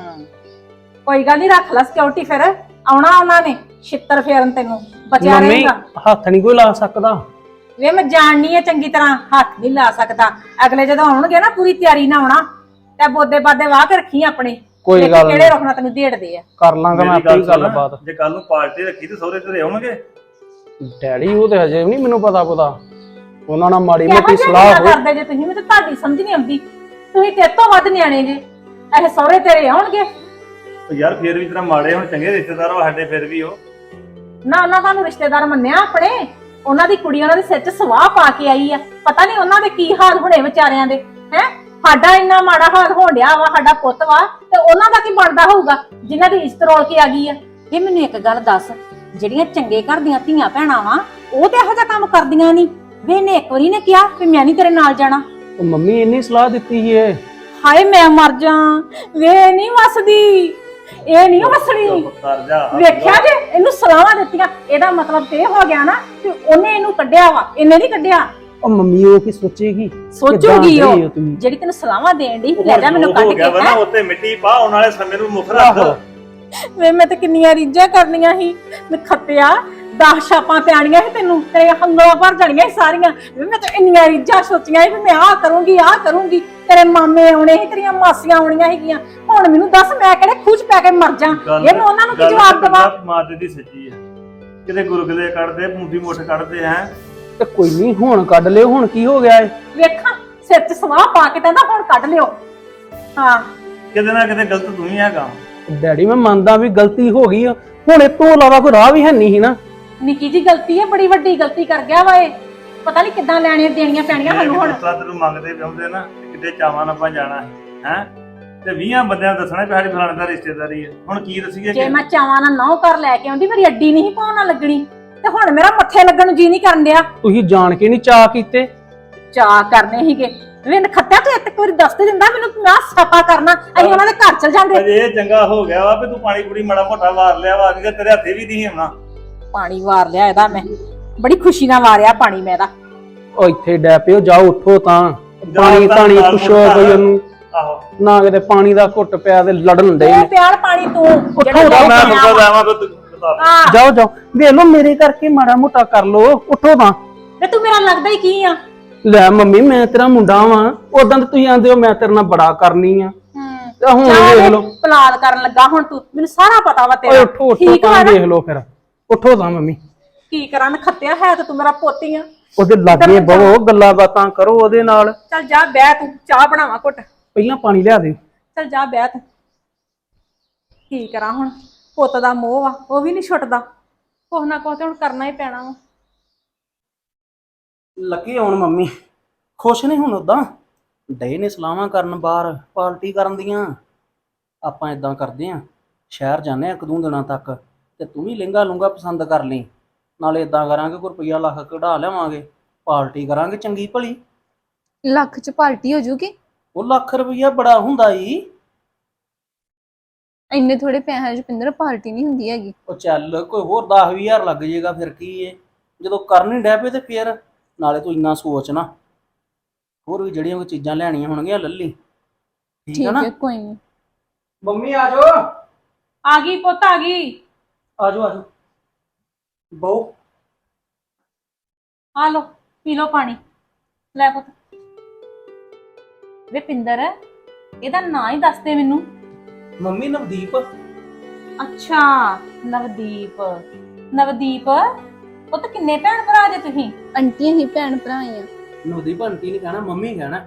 ਕੋਈ ਗੱਲ ਨਹੀਂ, ਰੱਖ ਲੈ ਸਿਕਿਉਰਿਟੀ, ਫਿਰ ਆਉਣਾ ਉਹਨਾਂ ਨੇ ਛਿੱਤਰ ਫੇਰਨ, ਤੈਨੂੰ ਬਚਿਆ
ਮੰਮੀ
ਰਹੇਗਾ।
ਹੱਥ ਨਹੀਂ ਕੋਈ ਲਾ ਸਕਦਾ।
ਵੇ ਮੈਂ ਜਾਣਨੀ ਆ ਚੰਗੀ ਤਰ੍ਹਾਂ, ਹੱਥ ਨਹੀਂ ਲਾ ਸਕਦਾ। ਅਗਲੇ ਜਦੋਂ ਆਉਣਗੇ ਨਾ ਪੂਰੀ ਤਿਆਰੀ ਨਾਲ ਆਉਣਾ, ਤੇ ਬੋਦੇ ਬਾਦੇ ਵਾਹ ਕੇ ਰੱਖੀ ਆਪਣੇ,
ਕੋਈ
ਦੇਖੀ
ਗੱਲ
ਕਿਹੜੇ
ਨਹੀਂ,
ਰੋਕਣਾ ਤੈਨੂੰ ਢੇੜਦੇ ਆ।
ਕਰ ਲਾਂਗਾ ਮੈਂ ਆਪੇ ਹੀ ਗੱਲਬਾਤ।
ਜੇ ਕੱਲ ਨੂੰ ਪਾਰਟੀ ਰੱਖੀ ਤੇ ਸਹੁਰੇ ਘਰੇ ਆਉਣਗੇ?
ਡੈਡੀ ਉਹ ਤੇ ਹਜੇ ਵੀ ਨਹੀਂ ਮੈਨੂੰ ਪਤਾ ਉਹਨਾਂ ਨਾਲ ਮਾੜੀ
ਕਿਹੋ
ਮੋਟੀ
ਜਿਹੀਆਂ
ਸਲਾਹ
ਗੱਲਾਂ
ਹੋਈ।
ਕਰਦੇ ਜੇ ਤੁਸੀਂ, ਮੈਨੂੰ ਤਾਂ ਤੁਹਾਡੀ ਸਮਝ ਨਹੀਂ ਆਉਂਦੀ। ਤੁਸੀਂ ਤੇਰੇ ਤੋਂ ਵੱਧ ਨਿਆਣੇ ਜੇ, ਇਹ ਸਹੁਰੇ ਤੇਰੇ ਆਉਣਗੇ
ਉਹ ਯਾਰ ਫੇਰ ਵੀ ਤੇਰਾ ਮਾੜੇ ਹੁਣ ਚੰਗੇ ਰਿਸ਼ਤੇਦਾਰ ਵਾ ਸਾਡੇ, ਫਿਰ ਵੀ ਉਹ
ਨਾ। ਉਹਨਾਂ ਤੁਹਾਨੂੰ ਰਿਸ਼ਤੇਦਾਰ ਮੰਨਿਆ ਆਪਣੇ? ਉਹਨਾਂ ਦੀ ਕੁੜੀ ਉਹਨਾਂ ਦੇ ਸਿਰ 'ਚ ਸਵਾਹ ਪਾ ਕੇ ਆਈ ਆ, ਪਤਾ ਨਹੀਂ ਉਹਨਾਂ ਦੇ ਕੀ ਹਾਲ ਹੋਣੇ ਵਿਚਾਰਿਆਂ ਦੇ। ਹੈ ਸਾਡਾ ਇੰਨਾ ਮਾੜਾ ਹਾਲ ਹੋਣ ਡਿਆ ਵਾ, ਸਾਡਾ ਪੁੱਤ ਵਾ, ਤੇ ਉਹਨਾਂ ਦਾ ਕੀ ਬਣਦਾ ਹੋਊਗਾ ਜਿਨ੍ਹਾਂ ਦੀ ਇੱਜ਼ਤ ਰੋਲ ਕੇ ਆ ਗਈ ਆ। ਇਹ ਮੈਨੂੰ ਇੱਕ ਗੱਲ ਦੱਸ, ਜਿਹੜੀਆਂ ਚੰਗੇ ਘਰ ਦੀਆਂ ਧੀਆਂ ਭੈਣਾਂ ਵਾ, ਉਹ ਤੇ ਇਹੋ ਜਿਹਾ ਕੰਮ ਕਰਦੀਆਂ ਨਹੀਂ? ਵੇ ਇਹਨੇ ਇੱਕ ਵਾਰੀ ਨੇ ਕਿਹਾ ਵੀ ਮੈਂ ਨਹੀਂ ਤੇਰੇ ਨਾਲ ਜਾਣਾ।
ਉਹ ਮੰਮੀ ਇੰਨੀ ਸਲਾਹ ਦਿੱਤੀ ਸੀ ਏ।
ਹਾਏ ਮੈਂ ਮਰ ਜਾ, ਵੇ ਨਹੀਂ ਵਸਦੀ, ਇਹ ਨਹੀਂ ਵਸਣੀ।
ਚੁੱਪ ਕਰ ਜਾ।
ਵੇਖਿਆ ਜੇ ਇਹਨੂੰ ਸਲਾਹਾਂ ਦਿੱਤੀਆਂ, ਇਹਦਾ ਮਤਲਬ ਤੇ ਇਹ ਹੋ ਗਿਆ ਨਾ ਕਿ ਉਹਨੇ ਇਹਨੂੰ ਕੱਢਿਆ ਵਾ, ਇਹਨੇ ਨਹੀਂ ਕੱਢਿਆ।
ਉਹ ਮੰਮੀ ਉਹ ਕੀ ਸੋਚੇਗੀ?
ਸੋਚੂਗੀ
ਕਿੱਦਾਂ
ਉਹ,
ਡਈ ਹੋ ਤੁਸੀਂ?
ਜਿਹੜੀ ਤੈਨੂੰ ਸਲਾਹਾਂ ਦੇਣ ਦੀ,
ਉਹ
ਲੈ ਜਾ ਮੈਨੂੰ ਕੱਢ
ਹੋ
ਕੇ।
ਗਿਆ ਵਾ ਨਾ, ਉੱਤੇ ਮਿੱਟੀ ਪਾ, ਆਉਣ ਵਾਲੇ ਸਮੇਂ ਨੂੰ ਮੁੱਖ ਰੱਖ।
ਵੇ ਮੈਂ ਤੇ ਕਿੰਨੀਆਂ ਰੀਝਾਂ ਕਰਨੀਆਂ ਸੀ, ਮੈਂ ਖੱਤਿਆ 10 ਛਾਪਾਂ ਪਿਆਣੀਆਂ ਸੀ ਤੈਨੂੰ, ਤੇਰੇ ਹੰਗਲਾਂ ਭਰ ਜਾਣੀਆਂ ਸੀ ਸਾਰੀਆਂ। ਵੇ ਮੈਂ ਤਾਂ ਇੰਨੀਆਂ ਰੀਝਾਂ ਸੋਚੀਆਂ ਸੀ ਵੀ ਮੈਂ ਆਹ ਕਰੂੰਗੀ, ਤੇਰੇ ਮਾਮੇ ਆਉਣੇ ਸੀ, ਤੇਰੀਆਂ ਮਾਸੀਆਂ ਆਉਣੀਆਂ ਸੀਗੀਆਂ। ਹੁਣ ਮੈਨੂੰ ਦੱਸ ਮੈਂ ਕਿਹੜੇ ਖੂਚ ਪੈ ਕੇ ਮਰ ਜਾ? ਇਹ ਮੈਂ ਉਹਨਾਂ ਨੂੰ ਕੀ ਜਵਾਬ ਦੇਵਾਂ?
ਮਾਤੇ ਦੀ ਸੱਚੀ ਹੈ, ਕਿਤੇ ਗੁਰਗਲੇ ਕੱਢਦੇ, ਮੁੰਡੀ ਮੁੱਠ ਕੱਢਦੇ ਹੈ।
ਤੇ ਕੋਈ ਨਹੀਂ, ਹੁਣ ਕੱਢ ਲਿਓ, ਹੁਣ ਕੀ ਹੋ ਗਿਆ ਏ?
ਵੇਖਾਂ ਸਿਰ 'ਚ ਸਵਾਹ ਪਾ ਕੇ ਕਹਿੰਦਾ ਹੁਣ ਕੱਢ ਲਿਓ। ਹਾਂ
ਕਿਤੇ ਨਾ ਕਿਤੇ ਗਲਤ ਤੂੰ ਹੀ ਹੈਗਾ।
ਡੈਡੀ ਮੈਂ ਮੰਨਦਾ ਵੀ ਗਲਤੀ ਹੋ ਗਈ ਆ, ਹੁਣ ਇਹ ਤੋਂ ਇਲਾਵਾ ਕੋਈ ਰਾਹ ਵੀ ਹੈ ਨਹੀਂ ਸੀ ਨਾ।
ਨਿੱਕੀ ਜੀ ਗਲਤੀ ਹੈ, ਬੜੀ ਵੱਡੀ ਗਲਤੀ ਕਰ ਗਿਆ ਵਾ ਇਹ। ਪਤਾ ਨਹੀਂ ਕਿੱਦਾਂ ਲੈਣੇ ਦੇਣੀਆਂ ਪੈਣੀਆਂ ਸਾਨੂੰ ਹੁਣ।
ਤੈਨੂੰ ਮੰਗਦੇ ਵੀ ਆਉਂਦੇ ਨਾ, ਕਿਤੇ ਚਾਵਾਂ ਨਾਲ ਆਪਾਂ ਜਾਣਾ ਹੈ ਤੇ 20 ਬੰਦਿਆਂ ਦੱਸਣਾ ਵੀ ਸਾਡੀ ਫਲਾਣੇ ਦਾ ਰਿਸ਼ਤੇਦਾਰੀ ਹੈ। ਹੁਣ ਕੀ ਦੱਸੀਏ?
ਜੇ ਮੈਂ ਚਾਵਾਂ ਨਾਲ ਨਹੁੰ ਘਰ ਲੈ ਕੇ ਆਉਂਦੀ, ਮੇਰੀ ਅੱਡੀ ਨਹੀਂ ਪਾਉਣਾ ਲੱਗਣੀ, ਤੇ ਹੁਣ ਮੇਰਾ ਮੱਥੇ ਲੱਗਣ ਨੂੰ ਜੀ ਨਹੀਂ ਕਰਨ ਡਿਆ।
ਤੁਸੀਂ ਜਾਣ ਕੇ ਨਹੀਂ ਚਾਹ ਕੀਤੇ?
ਚਾਹ ਕਰਨੇ ਸੀਗੇ ਵੇ ਖੱਤਿਆ, ਤੂੰ ਇੱਕ ਵਾਰੀ ਦੱਸ ਤੇ ਦਿੰਦਾ ਮੈਨੂੰ, ਮੈਂ ਸਫਾ ਕਰਨਾ, ਅਸੀਂ ਉਹਨਾਂ ਦੇ ਘਰ ਚਲ ਜਾਂਦੇ।
ਅਜੇ ਇਹ ਚੰਗਾ ਹੋ ਗਿਆ ਵਾ ਵੀ ਤੂੰ ਪਾਣੀ ਪੂਰੀ ਮਾੜਾ ਮੋਟਾ ਵਾਰ ਲਿਆ ਵਾ, ਕਿ ਤੇਰੇ ਹੱਥੇ ਵੀ ਨਹੀਂ ਆਉਣਾ।
ਪਾਣੀ ਵਾਰ ਲਿਆ ਇਹਦਾ, ਮੈਂ ਬੜੀ ਖੁਸ਼ੀ ਨਾਲ ਵਾਰਿਆ ਪਾਣੀ ਮੈਂ ਇਹਦਾ।
ਉਹ ਇੱਥੇ ਡੈ ਪਿਓ, ਜਾਓ ਉੱਠੋ ਤਾਂ, ਪਾਣੀ ਧਾਣੀ ਪੁੱਛੋ ਕੋਈ ਉਹਨੂੰ।
ਆਹੋ
ਨਾ ਕਿਤੇ ਪਾਣੀ ਦਾ ਘੁੱਟ ਪਿਆ ਤੇ ਲੜਨ ਦੇ।
ਤੂੰ ਪਿਆਰ ਪਾਣੀ ਤੂੰ
ਉੱਠੋ
ਮੈਂ
ਤਾਂ,
ਸੁਣਦਾ ਜਾਵਾਂ ਤੇ
ਹਾਂ
ਜਾਓ ਵੇਖ ਲਓ, ਮੇਰੇ ਕਰਕੇ ਮਾੜਾ ਮੋਟਾ ਕਰ ਲੋ, ਉੱਠੋ ਤਾਂ।
ਤੇ ਤੂੰ ਮੇਰਾ ਲੱਗਦਾ ਹੀ ਕੀ ਆ?
ਲੈ ਮੰਮੀ ਮੈਂ ਤੇਰਾ ਮੁੰਡਾ ਵਾਂ, ਉਦਾਂ ਤੇ ਤੁਸੀਂ ਆਂਦੇ ਹੋ ਮੈਂ ਤੇਰੇ ਨਾਲ ਬੜਾ ਕਰਨੀ ਆ, ਤੇ ਹੁਣ ਵੇਖ ਲਓ।
ਪਲਾਲ ਕਰਨ ਲੱਗਾ ਹੁਣ ਤੂੰ, ਮੈਨੂੰ ਸਾਰਾ ਪਤਾ ਵਾ
ਓਏ
ਤੇਰਾ।
ਉੱਠੋ ਉੱਠੋ
ਠੀਕ
ਤਾਂ,
ਵਾ ਨਾ?
ਵੇਖ ਲਓ ਫਿਰ, ਉੱਠੋ ਤਾਂ ਮੰਮੀ।
ਕੀ ਕਰਾਂ ਖੱਤਿਆ, ਹੈ ਤੇ ਤੂੰ ਮੇਰਾ ਪੋਤੀ ਆ।
ਉਹਦੇ ਲਾਗੇ ਬਹੋ, ਗੱਲਾਂ ਬਾਤਾਂ ਕਰੋ ਉਹਦੇ ਨਾਲ।
ਚੱਲ ਜਾ ਬਹਿ, ਤੂੰ ਚਾਹ ਬਣਾਵਾ ਘੁੱਟ।
ਪਹਿਲਾਂ ਪਾਣੀ ਲਿਆ ਦੇ।
ਚੱਲ ਜਾ ਬਹਿ ਤੂੰ। ਕੀ ਕਰਾਂ ਹੁਣ, ਪੁੱਤ ਦਾ ਮੋਹ ਆ, ਉਹ ਵੀ ਨਹੀਂ ਛੁੱਟਦਾ, ਕੁਛ ਨਾ ਕੁਛ ਤੇ ਹੁਣ ਕਰਨਾ ਹੀ ਪੈਣਾ ਵਾ।
ਲੱਗੇ ਹੁਣ ਮੰਮੀ ਖੁਸ਼ ਨਹੀਂ ਹੁਣ, ਉਦਾਂ ਡੇ ਨੇ ਸਲਾਹਾਂ ਕਰਨ, ਬਾਹਰ ਪਾਰਟੀ ਕਰਨ ਦੀਆਂ। ਆਪਾਂ ਇਦਾਂ ਕਰਦੇ ਆਂ, ਸ਼ਹਿਰ ਜਾਂਦੇ ਆ 1-2 ਦਿਨਾਂ ਤੱਕ, ਤੇ ਤੂੰ ਵੀ ਲਹਿੰਗਾ ਲੂੰਗਾ ਪਸੰਦ ਕਰ ਲਈ, ਨਾਲੇ ਇਦਾਂ ਕਰਾਂਗੇ ਕੋਈ ਰੁਪਈਆ ਲੱਖ ਕਢਾ ਲਿਆਵਾਂਗੇ, ਪਾਰਟੀ ਕਰਾਂਗੇ ਚੰਗੀ ਭਲੀ।
ਲੱਖ ਚ ਪਾਰਟੀ ਹੋ ਜੂਗੀ?
ਉਹ ਲੱਖ ਰੁਪਈਆ ਬੜਾ ਹੁੰਦਾ ਈ।
ਇੰਨੇ ਥੋੜੇ ਪੈਸਿਆਂ ਚ ਪਿੰਦਰ ਪਾਰਟੀ ਨਹੀਂ ਹੁੰਦੀ ਹੈਗੀ।
ਉਹ ਚੱਲ ਕੋਈ ਹੋਰ 10-20 ਹਜ਼ਾਰ ਲੱਗ ਜਾਏਗਾ, ਫਿਰ ਕੀ ਏ, ਜਦੋਂ ਕਰਨ ਹੀ ਡੈ ਪਏ ਤੇ ਫਿਰ। ਨਾਲੇ ਤੂੰ ਇੰਨਾ ਸੋਚ ਨਾ, ਹੋਰ ਵੀ ਜਿਹੜੀਆਂ ਕੋਈ ਚੀਜ਼ਾਂ ਲੈਣੀਆਂ ਹੋਣਗੀਆਂ ਲੱਲੀ, ਠੀਕ ਹੈ ਨਾ?
ਕੋਈ ਨਹੀਂ।
ਮੰਮੀ ਆ ਜਾਓ।
ਆ ਗਈ ਪੁੱਤ, ਆ ਗਈ।
ਆ ਜਾਓ ਬਹੁ।
ਆ ਲੋ ਪੀ ਲੋ ਪਾਣੀ, ਲੈ ਪੁੱਤ। ਵੇ ਪਿੰਦਰ, ਇਹਦਾ ਨਾਂ ਹੀ ਦੱਸ ਦੇ ਮੈਨੂੰ।
ਮੰਮੀ ਨਵਦੀਪ।
ਅੱਛਾ ਨਵਦੀਪ। ਨਵਦੀਪ ਪੁੱਤ, ਕਿੰਨੇ ਭੈਣ ਭਰਾ ਜੇ ਤੁਸੀਂ?
ਆਂਟੀਆਂ ਹੀ ਭੈਣ ਭਰਾ ਆ।
ਨਵਦੀਪ ਆਂਟੀ ਨਹੀਂ ਕਹਿਣਾ, ਮੰਮੀ ਕਹਿਣਾ।